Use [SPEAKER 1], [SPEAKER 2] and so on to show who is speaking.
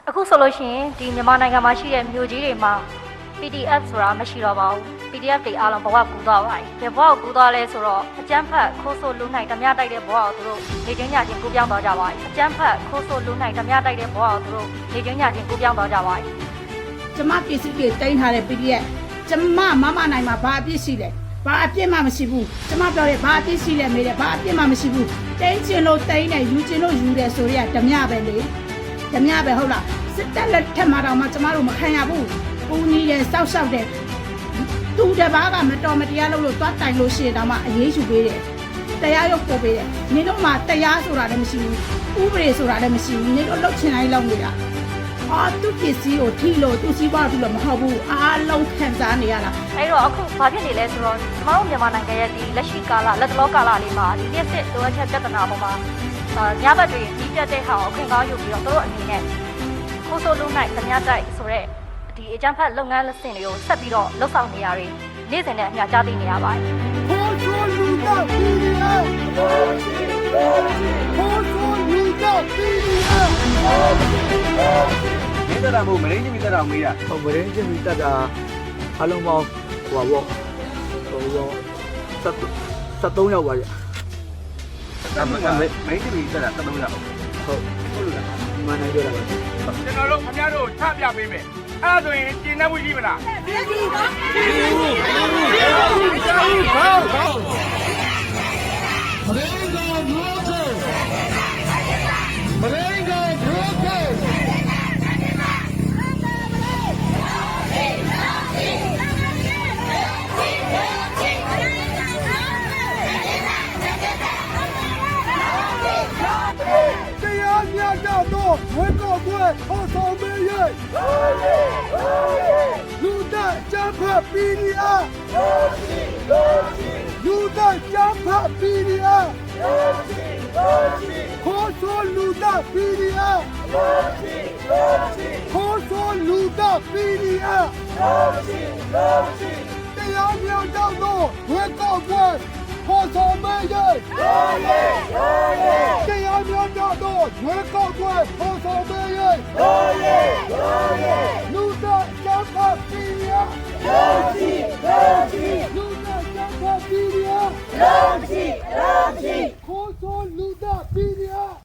[SPEAKER 1] အခုဆိုလို့ရှိရင်ဒီမြန်မာနိုင်ငံမှာရှိတဲ့မြို့ကြီးတွေမှာ PDF ဆိုတာမရှိတော့ပါဘူး PDF တွေအားလုံးဘဝကူသွားပါတယ်ဘဝကူသွားလဲဆိုတော့အကျန်းဖတ်ခိုးဆိုလူနိုင်ဓမြတိုက်တဲ့ဘဝကိုသူတို့နေချင်းညချင်းကိုပြောင်းသွားကြပါတယ်အကျန်းဖတ်ခိုးဆိုလူနိုင်ဓမြတိုက်တဲ့ဘဝကိုသူတို့နေချင်းညချင်းကိုပြောင်းသွားကြပါတယ်
[SPEAKER 2] ကျမပစ္စည်းတွေတင်ထားတဲ့ PDF ကျမမနိုင်မှာဘာအပြစ်ရှိလဲဘာအပြစ်မှမရှိဘူးကျမပြောတယ်ဘာအပြစ်ရှိလဲမေးတယ်ဘာအပြစ်မှမရှိဘူးတင်းချင်လို့တင်းတယ်ယူချင်လို့ယူတယ်ဆိုရဓမြပဲလေဓမြပဲဟုတ်လားစစ်တပ်လက်ထက်မှာတော့မှကျမတို့မခံရဘူးဦးနီးတယ်စောက်ရှောက်တယ်သူတပားကမတော်မတရားလုပ်လို့သွားတိုင်လို့ရှိရင်တော့မှအေးအေးယူပေးတယ်တရားရုပ်ပို့ပေးတယ်နေတော့မှတရားဆိုတာလည်းမရှိဘူးဥပဒေဆိုတာလည်းမရှိဘူးနေတော့လှုပ်ချင်တိုင်းလုပ်နေတာသူပစ္စည်းကိုထိလို့သူစီးပွားလို့မဟုတ်ဘူးအားလုံးခံစားနေရတာ
[SPEAKER 1] အဲ့တော့အခုဘာဖြစ်နေလဲဆိုတော့ကျွန်တော်တို့မြန်မာနိုင်ငံရဲ့ဒီလက်ရှိကာလလက်တလောကာလလေးမှာဒီနေ့စစ်လိုအပ်ချက်ပြဿနာပေါ်မှာညဘက်တွေကြီးပြတ်တဲ့ဟာကိုအခွင့်ကောင်းယူပြီးတော့တို့အနေနဲ့ခိုးဆိုးလုံးနိုင်ဓမြတိုက်ဆိုတဲ့ဒီအကြမ်းဖက်လုပ်ငန်းလက်ဆင့်တွေကိုဆက်ပြီးတော့လှုပ်ဆောင်နေရတယ်နေ့စဉ်နဲ့အမျှကြားသိနေရပါတယ်
[SPEAKER 2] ခိုးဆိုးလူတော့ PDF ခိုးဆိုးလူတော့ PDF
[SPEAKER 3] မင်းတက်တာမဟုတ်မရင်းချင်းမိတက်တာမေးတာ
[SPEAKER 4] ဟုတ်မရင်းချင်းမိတက်တာအလုံးပေါင်းဟိုပါဘော73ရောက်ပါကြ
[SPEAKER 3] မရင်းချင်းမိတက်တာ73ရောက်
[SPEAKER 4] ဟုတ်
[SPEAKER 3] လို့လား
[SPEAKER 4] မှန်တယ်ပြောတာပါ
[SPEAKER 5] ကျွန်တော်တို့ခင်ဗျားတို့ချပြပေးမယ်အဲ့ဒါဆိုရင်ကျင်းနှက်မှုရှိမလားရှိဘူး
[SPEAKER 2] တရားမျှတသောဝေကောက်ပွဲဟောဆောင်ပေး၍လူသားကြမ်းဖက် PDF လူသားကြမ်းဖက် PDF ခိုးဆိုးလူသား PDF ခိုးဆိုးလူသား PDF တရားမျှတသောဝေကောက်ပွဲဟောဆောင်ပေး၍တရားမျှတသောဝေကောက်ပွဲဟောဆောင်ပေး၍